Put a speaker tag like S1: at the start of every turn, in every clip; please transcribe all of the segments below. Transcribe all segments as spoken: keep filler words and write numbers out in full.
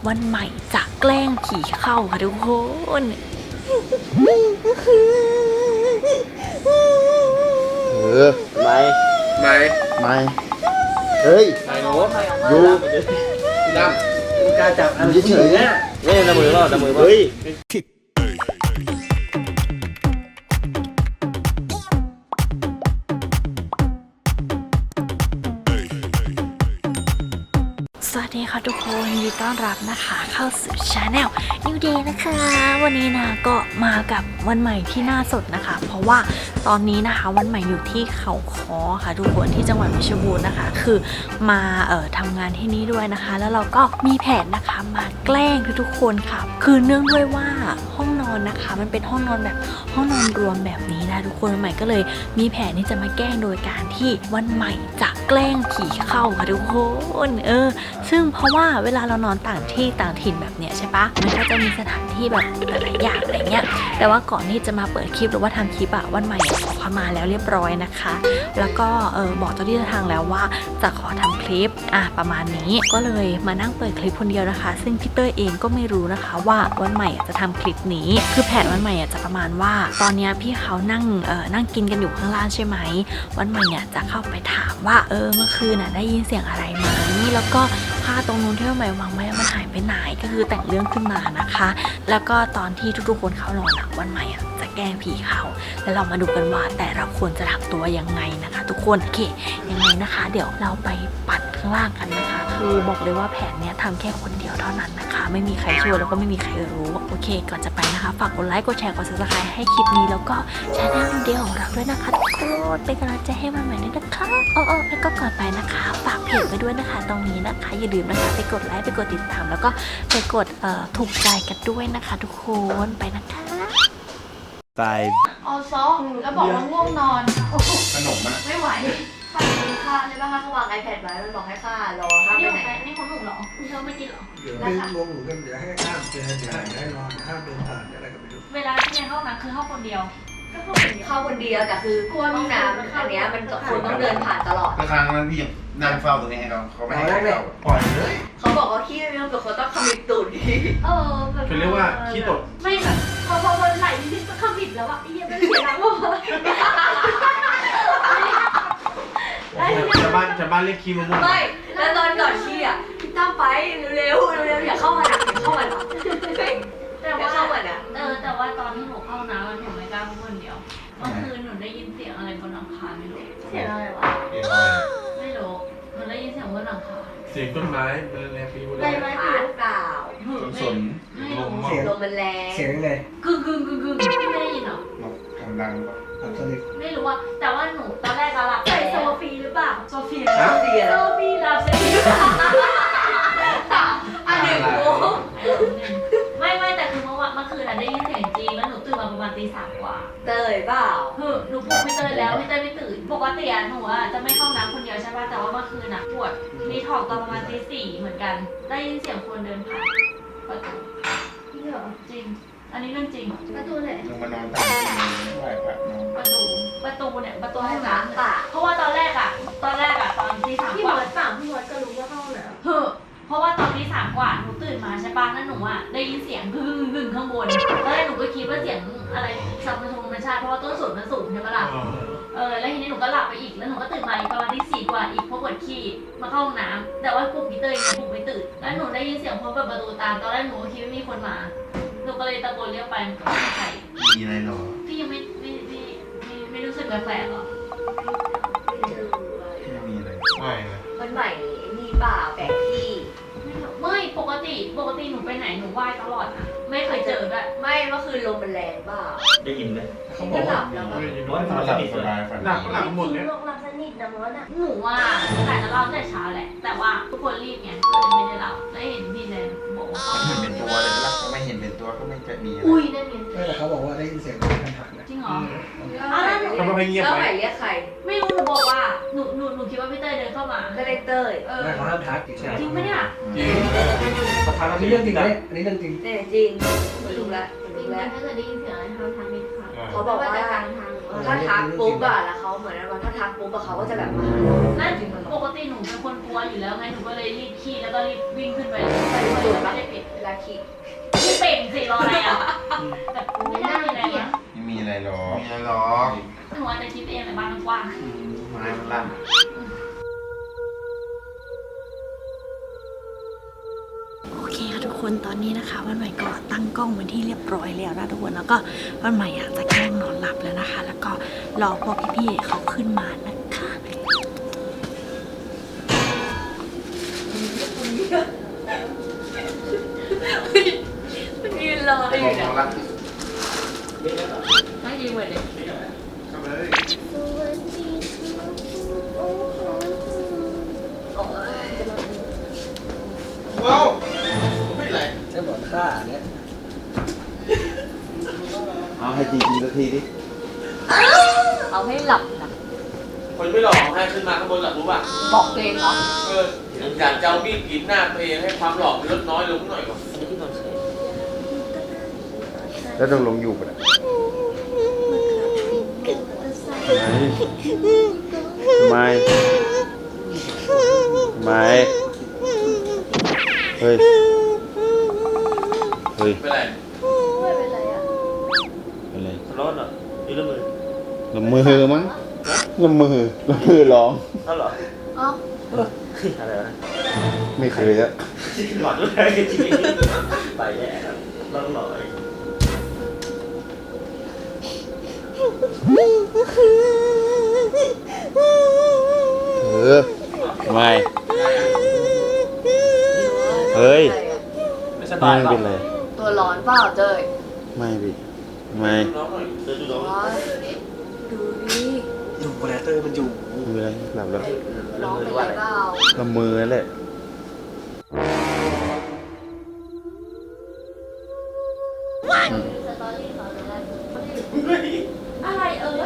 S1: วันใหม่จะแกล้งผีเข้าค่ะทุกคน
S2: เออไม่ไม่ไม่เฮ้ยไม่โน้ยูดำกล้าจับอันเฉยๆเนี่ยเล่นละมือเปล่าละมือเปล่าเฮ้ย
S1: สวัสดีค่ะทุกคนยินดีต้อนรับนะคะเข้าสู่ชาแนล New Day นะคะวันนี้นะก็มากับวันใหม่ที่น่าสดนะคะเพราะว่าตอนนี้นะคะวันใหม่อยู่ที่เขาค้อค่ะทุกคนที่จังหวัดเพชรบูรณ์นะคะคือมาเอ่อทำงานที่นี่ด้วยนะคะแล้วเราก็มีแผนนะคะมาแกล้งทุกๆคนค่ะคือเนื่องด้วยว่าห้องนอนนะคะมันเป็นห้องนอนแบบห้องนอนรวมแบบนี้นะทุกคนวันใหม่ก็เลยมีแผนที่จะมาแกล้งโดยการที่วันใหม่จะแกล้งผีเข้าค่ะทุกคนเออซึ่งเพราะว่าเวลาเรานอนต่างที่ต่างถิ่นแบบเนี้ยใช่ปะมันก็จะมีสถานที่แบบหลายอย่างอะไรเงี้ยแต่ว่าก่อนที่จะมาเปิดคลิปหรือว่าทำคลิปอะวันใหม่ขอเข้ามาแล้วเรียบร้อยนะคะแล้วก็เออบอกเจ้าที่เจ้าทางแล้วว่าจะขอทำคลิปอ่ะประมาณนี้ก็เลยมานั่งเปิดคลิปคนเดียวนะคะซึ่งพี่เต้ยเองก็ไม่รู้นะคะว่าวันใหม่จะทำคลิปนี้คือแผนวันใหม่จะประมาณว่าตอนนี้พี่เขานั่งเออนั่งกินกันอยู่ข้างล่างใช่ไหมวันใหม่เนี่ยจะเข้าไปถามว่าเออเมื่อคืนน่ะได้ยินเสียงอะไรไหมแล้วก็ผ้าตรงนู้นที่วันใหม่วางไว้มันหายไปไหนก็คือแต่งเรื่องขึ้นมานะคะแล้วก็ตอนที่ทุกๆคนเข้านอนอ่ะวันใหม่อ่ะจะแกล้งผีเขาแล้วเรามาดูกันว่าแต่ละคนจะทำตัวยังไงนะคะ ทุกคนโอเคยังไงนะคะ เดี๋ยวเราไปปัดข้างล่างกันนะคะคือบอกเลยว่าแผนเนี้ยทำแค่คนเดียวเท่านั้นนะคะไม่มีใครช่วยแล้วก็ไม่มีใครรู้โอเคก่อนจะไปนะคะฝากกดไลค์กดแชร์กดซับสไครต์ให้คลิปนี้แล้วก็ชาแนลเดียวของเราด้วยนะคะทุกคนเป็นกำลังใจให้มันใหม่ด้วยนะคะอ๋อแล้วก็ก่อนไปนะคะฝากเพจไว้ด้วยนะคะตรงนี้นะคะอย่าลืมนะคะไปกดไลค์ไปกดติดตามแล้วก็ไปกดเอ่อถูกใจกันด้วยนะคะทุกคนไปนะคะ
S2: five
S3: เอาซองแล้วบอกว่าง่วงนอนขนมอะไม่ไหวข้ากินข้าวใช่ป่ะคะเขาวาง iPad ไว้มันบอกให้ข้ารอข้าไปไหนนี่ของหนูเหรอเธอไม่กินเหรอ
S4: เดี๋ยวไม่ลงหนูกันเดี๋ยวให้ข้ามเจอเดี๋ยวให้นอนข้ามเดินผ่านอะไรก็ไม่รู้
S5: เวลาที่ในห้องน้ำคือห้องคนเดียวก็ห้องคนเดียว
S3: เข้าคนเดียวแต่คือกลัวห้องน้ำอันเนี้ยมันกับคนต้องเดินผ่านตลอด
S6: ก็ครั้งนั้นพี่ยังนั่งเฝ้าตรงนี้ให้เขาเขาไม่ให้
S4: แรกเนี่ย
S6: เข้า
S4: ปล่อยเลย
S3: เขาบอกว่าขี้ไม่ต้องกับเขาต้องขมิบตูด
S5: เออแบบ
S7: เขาเรียกว่าขี้ตด
S5: ไม่แบบพอพอวันไหลนิดๆก็ขมิบแล้วอะไอ้เหี้ยมันเสียงว่ะ
S7: ชาวบ้านชาวบ้านเรียกขี้มะม่วง
S3: ไม่แล้วตอนก่อนขี้อ่ะพี่ตั้มไปเร็วๆเร็วๆอย่าเข้ามานะอย่าเข้ามานะ
S5: แต่
S3: อย่า
S5: ว่า
S3: เข้ามานะ
S5: เออแต่ว่าตอนที่หนูเข้าน้ำหนูไม่กล้าพูดคนเดียวเมื่อคืนหนูได้ยินเสียงอะไรบนหลังคาไม่รู้
S3: เสียงอะไรวะ
S6: เดี๋ยว
S5: ไม่รู้หนูได้ยินเสียงบนหลังคา
S7: เสียงต้นไม้เป็นแรงปีบุ
S3: ใบไม้ปลิวเปล่า
S6: สน
S5: ไม่
S6: ล
S5: รู้
S6: ม
S4: เสียง
S3: ลมมันแรง
S4: เสียงยังไง
S5: กึ่งกึ่งกึ่งกึ่งพี่ไม่ได้ยินเหรอ
S6: ทำดังก็
S4: อับสนิท
S5: ไม่รู้ว่าแต่ว่าหนูตอนแรกอะหลับ
S3: ใส่
S5: ไป
S3: โซฟีหรือเปล่า
S5: โซเฟีย
S3: โซฟีอะ
S5: โซเฟียหลับใช่ไหม
S3: อันหนึ่งโมง
S5: ไม่ไม่แต่คือเมื่อวันเมื่อคืนอะได้ยินเสียงจริงแล้วหนูตื่นมาประมาณตีสามกว่า
S3: เตยเปล่า
S5: คือหนูปลุกพี่เตยแล้วพี่เตยไม่ตื่นปกติอะหนูอะจะไม่เข้าน้ำคนเดียวใช่ป่ะแต่ว่าเมื่อคืนอะปวดมีถอกตอนประมาณตีสี่เหมือนกัน ได้ยินเสียงคนเดินผ่านประตู
S3: จริงเหรอ
S5: จริง อันนี้เรื่องจริง
S3: ประตูไหน
S6: ลงมานอนตามที่ไหวพระนอน
S5: ประตูประตูเนี่ยประตู
S3: ห้
S5: ห้
S3: อ
S5: อง ง
S3: น้ำ
S5: น้ำ
S3: ป่า
S5: เพราะว่าตอนแรกอะตอนแรกอะตอนตีสาม
S3: พี่
S5: ก
S3: ม
S5: ว่า
S3: ดป่าพี่มดก็รู้ว่าห้องน้ำ
S5: เฮ้อเพราะว่าตอนที่สามกว่าหนูตื่นมาใช่ปะแล้วหนูอ่ะได้ยินเสียงกึ่งกึ่งข้างบนตอนแรกหนูก็คิดว่าเสียงอะไรสัมพันธ์ธรรมชาติเพราะว่าต้นสนมันสูงใช่ไหมล่ะเออแล้วทีนี้หนูก็หลับไปอีกแล้วหนูก็ตื่นมาอีกประมาณที่สี่กว่าอีกเพราะปวดขี้มาเข้าห้องน้ำแต่ว่าปลุกพี่เตยปลุกไม่ตื่นแล้วหนูได้ยินเสียงพอเปิดประตูตามตอนแรกหนูก็คิดว่ามีคนมาหนูก็เลยตะโกนเรียกไปมันก็ไม่มีใคร
S6: มีอะไรหรอ
S5: พี่ยังไม่ไม่ไม่ไม่ไม่รู้สึกแปลกๆหรอ
S6: ไม่มีอะไรไม่เลย
S3: คนใหม่มีเปล่าแปลกที่
S5: ไม่รู้ไม่ปกติปกติหนูไปไหนหนูไหว้ตลอดนะไม่เคยเจอด้วย
S3: ไม่เมื่อคืนลมมันแรงเปล่า
S2: ได้ยินไหม
S4: เขาบอก
S3: หลั
S4: ว่า
S3: บแล้วก็
S2: ว่า
S6: นอนหลับสบายฝัน
S7: หลับก็หลับหมดเนี่ย
S3: ลงหลับสนิทนะมดอ่ะ
S5: หนูว่าแต่จะเล่าแต่เช้าแหละ แต่ว่าทุกคนรีบไงก็เลยไม่ได้เล่าแล้วเห็นพี่แดงบอกว่า
S6: เห็นเป็นตัวเลยละไม่เห็นเป็นตัวก็ไม่จะมีอะไร
S5: อุ้ยนั่นไง
S4: ไม่แต่เขาบอกว่าได้ยินเสียงคนหันนะ
S5: จริงเหรอ
S3: อ้าวแล้ว
S7: ทำไมเงียบ
S3: แล้ว
S7: ไป
S3: ใหม่เรียกใคร
S5: ไม่รู้หนูบอกว่าหนูหนูหนูคิดว่าพี่เต้ยเดินเข้ามา
S3: ก็เลยเต้ย
S5: เออ
S4: ไม่เขาห้ามทักอีกใช่ไหม
S5: จริงปะเนี่ย
S7: จริง
S4: อันนี้เรื่องจริงไหมอันนี้เรื่องจริง
S3: เนี่ยจริงไม่รู้ละไม่รู้ละ
S5: ถ้าเกิดได้ยินเสียงอะไรทางทางนี้ค่ะ
S3: เขาบอกว่าถ้าทักปุ๊บอะแล้วเขาเหมือนว่าถ้าทักปุ๊บอะเขาก็จะแบบมาหาเรา
S5: นั่น
S3: จริงมันหร
S5: ป
S3: อก
S5: ติหนูเป็นคนกลัวอยู่แล้วไงหนูก็เลยรีบขี่แล้วก็รีบวิ่งขึ้นไปไปเลยไม่ได้ปิด
S3: คิ
S5: ไม่เป็นสิรออะไรอ่ะแต่ไม่ได้มีอะไรนะ
S6: ไม่มีอะไรหรอก
S2: มีอะไรหรอก
S5: หนูอาจจะคิดเองแต่บ้านมันกว้าง
S2: ไม้มันลั่น
S1: โอเคค่ะทุกคนตอนนี้นะคะวันใหม่ก็ตั้งกล้องเป็นที่เรียบร้อยแล้วนะทุกคนแล้วก็วันใหม่อยากจะแกล้งนอนหลับแล้วนะคะ แล้วก็รอพวกพี่ๆเขาขึ้นมานะคะ
S3: มันยืนรออยู่เนี่ย
S2: ลั่น
S3: ไม่ยืนเหมือนเดิม
S2: เข้าเลย ว้าวไม่ไร
S4: จะบอกค่าเนี่ย
S2: เอาให้จริงๆสักทีดิ
S3: เอาให้หลับนะ
S7: คนไม่หลอกให้ขึ้นมาข้างบนหลับรู้ป่ะ
S3: บอกตัวเองเหรอ
S7: เอออยากจะเอามีดกรีดหน้าตัวเองให้ความหลอกมันลดน้อยลงหน่อยก่อน
S2: แล้วต้องลงอยู่ปะเนี่ยไม่ไม่เฮ้ย เฮ้ย
S7: เป็นไร
S3: ไม่เป็นไรอ่ะ
S2: อะไร
S7: ร้อนเหรอยืดละมือ
S2: ลำมือมั้งลำมือลำมือร้อง
S7: อ้าวเหรอ
S3: อ๋อ
S7: อะไรวะ
S2: ไม่เคยอะ
S7: หลอดด้วยจริงไปแย่ครับร้อนหน่อย
S2: เออไม่เฮ้ย
S7: ไม่สบาย
S2: ไม่
S7: เป
S2: เป็นไร
S7: ล่า
S3: ตัวร้อนเปล่าเจย
S2: ไม่พี่ไม่
S7: น้องหน่อยเดินดูน้อง
S3: ร้อนดูดิ
S4: อยู่โปรแกรเตอร์มันอยู่
S2: ไม่เป็นไรหลับแล้ว
S3: ร้องเป็นไรเปล่า
S2: ลำมือนั่นแหละ
S3: สตอรี่เขาจะได้
S5: อะไรเออ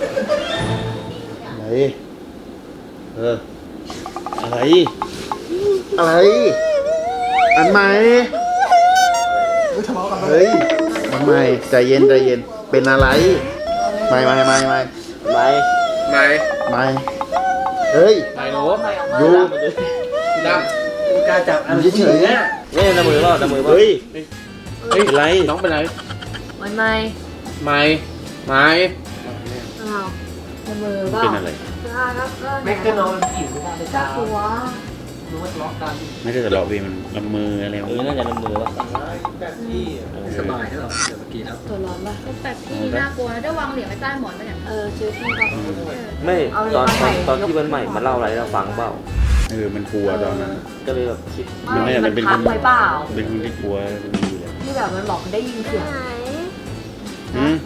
S2: อะไรเอออะไร อะไร อันใหม่
S4: เฮ้ยทะเลาะกันแล้ว
S2: เฮ้ยอันใหม่ใจเย็นใจเย็นเป็นอะไรไม่ไม่ไม่ไม่ไม่
S7: ไม่
S2: ไม่เฮ้ย
S7: ไม่โน้
S2: อยู
S7: ด
S4: กูกล้าจับอัน
S2: เฉยๆเนี่ย
S7: นี่น้ำมือเปล่าน้ำมือเปล่า
S2: เฮ้ย
S7: เฮ้ย
S2: เป็นไร
S7: น้องเป็นไร
S3: วันไม่
S7: ไม่ไม่
S3: อ้าวในมือเปล่า
S2: เป็นอะไร
S3: ก็ก็
S4: แม็กก็นอนอิ่มไม่ได้เลย
S3: ก็
S4: จ้าก
S3: ลัว
S4: รู้ว่าทะเลาะกัน
S2: ไม่ได้ทะเลาะพี่มันลำมืออะไร
S7: เออน่าจะน้ำมือป่ะ
S4: แบบที่สบายใช่หรอเดี๋ยวเมื่อกี้แล้ว
S3: ตัวร้อนป่ะ
S8: แต่พี่น่ากลัวนะได้วางเหรียญไว้ใต้หมอนไหมเนี่ย
S3: เออเจอพี่ก็
S9: ไม่
S3: เอาเลย
S9: ตอน
S3: มา
S9: ตอน
S3: ใหม่
S9: ตอนที่วันใหม่มาเล่าอะไรให้เราฟังเปล่า
S2: เออมันกลัวตอนนั้น
S9: ก็เลยแบบคิด
S2: มันน่าจะเป็น
S3: พักไว้เปล่า
S2: เป็นคนที่กลัวดีเลย
S3: ที่แบบมันบอกมันได้ยินเสียง
S2: อืม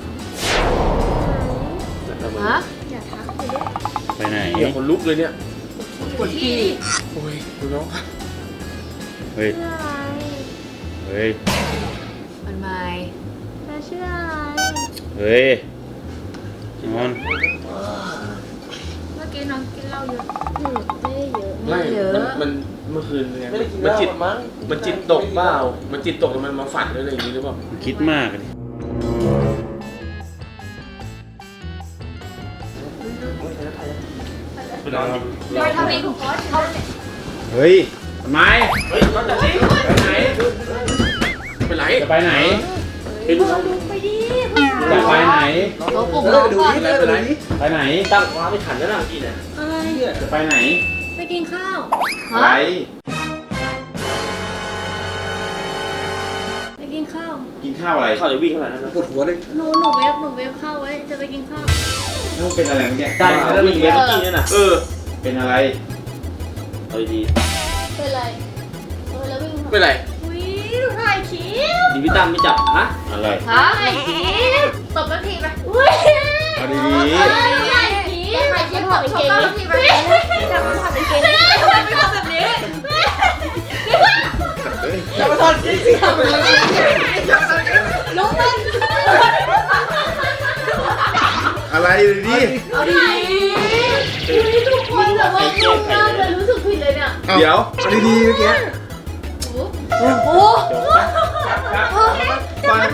S9: แล้วมัน
S3: ฮะ
S8: อย่าทักเลย
S2: ไปไหน
S7: เดี๋ยวคนลุกเลยเนี่ย
S3: ปวดขี้
S7: โอ้ยดูน้อง
S2: เฮ้ย
S8: ชื่ออะไร
S2: เฮ้ย
S3: มันไม่
S8: เธอชื่ออะไร
S2: เฮ้ยนอน
S8: เมื่อกี้น้องกินเหล้าเยอะอืมไม่ได้เยอะ
S3: ไม่เยอะ
S7: มันเมื่อคืนไงมันจิตมันจิตตกเปล่ามันจิตตกแล้วมันมาฝันอะไรอย่างนี้หรือเปล่า
S2: คิดมากเลย
S7: ไปนอน
S3: โดยทำเองของเขาเขา
S2: เฮ้ยทำไม
S7: เฮ้ยนอนจะจริงไปไหนไปไหน
S2: จะไปไหน
S7: ไปดูน้อง
S2: จะไปไหน
S3: ตัวปลุกน้องก่อน
S7: ไปไหน
S2: ไปไหน
S9: ตั้งว้าไม่ขันแล้วนะพี่เนี่ย
S8: อะไร
S2: จะไปไหน
S8: ไปกินข้าว
S2: อะไร
S8: ไปกินข้าว
S2: กินข้าวอะไร
S9: เข้าจะวิ่งเท่าไหร่นั่นนะ
S4: ปวดหัวเลย
S8: หนูหนูเวฟหนูเวฟข้าวไว้ จะไปกินข้าว
S2: ลูกเป็นอะไรเมื่อกี้
S9: ได้แล้ววิ่งเมื่อกี้เนี่ยนะ
S7: เออ
S2: เป็นอะไร
S9: เอาดี
S8: เป็นไรเออแล้ววิ่ง
S7: ไปไหน
S8: อุ้ยหนูถ่ายคลิป
S9: ๆดีพี่ตั้มไม่จับฮะ
S2: อะไร
S3: ฮะ
S8: ถ่ายคลิปตบนาทีไปอุ้ย
S2: เอาดี
S8: ถ่ายคลิปถ่ายคลิปถอดกางเกงนาทีไปจับมันถอดกางเกงทำไมไม่ทำแบบนี้
S4: จะมาทอดกินสิครับ
S8: ลุงมัน
S2: ๆอะไรดูดิ
S8: เอาดีอุ้ยทุกคนแบบว่างงมากเลยรู้สึกผิดเลยเนี่ย
S2: เดี๋ยว
S4: เอาดีๆเมื่อกี้
S8: โอ้โห
S2: ฟัง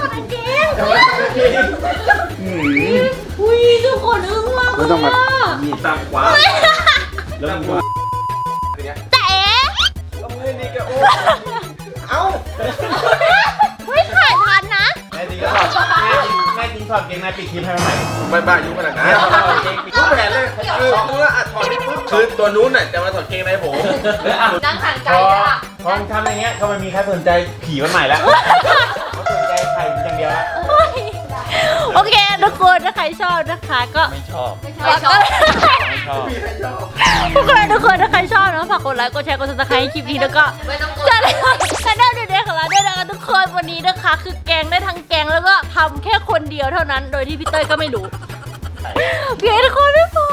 S8: อุ้ยทุกคนอึ้งมาก
S2: ไม่ต้องมา
S9: มีตั้มขวา
S2: แล้วมึงว่า
S8: แต่
S7: เอามือนี่แกโอ้
S8: เ
S2: ถอดเกงในปิดคลิปให้มันใหม่
S7: ไม่บ้ายุ่งขนาดนั้นรู้แผนเลยคือเมื่ออัดถอดนี่ปุ๊บคือตัวนู้นน่ะจะมาถอดเกงในผม
S3: นั่งห่างไก
S2: พ
S3: ล
S2: อ
S3: เลยอ่ะ
S2: พอมึงทำอย่างเงี้ยก็ไม่มีใครสนใจผีมันใหม่แล้วเขาสนใจไข่อย่างเดียวแล้ว
S1: โอเคทุกคนถ้าใครชอบนะคะก็
S2: ไม่ชอบ
S3: ไม่ชอบ
S2: ไม่ชอบ
S1: ทุกคนทุกคนถ้าใครชอบนะฝากกดไลค์กดแชร์กดซับสไครต์ให้คลิปนี้แล้วก็
S3: ไม่ต้องกด
S1: จะได้จะได้เด็กๆของเราด้วยนะคะทุกคนวันนี้นะคะ คือแกงได้ทั้งแกงแล้วก็ทำแค่คนเดียวเท่านั้น โดยที่พี่เต้ยก็ไม่รู้เพียงทุกคนไม่พอ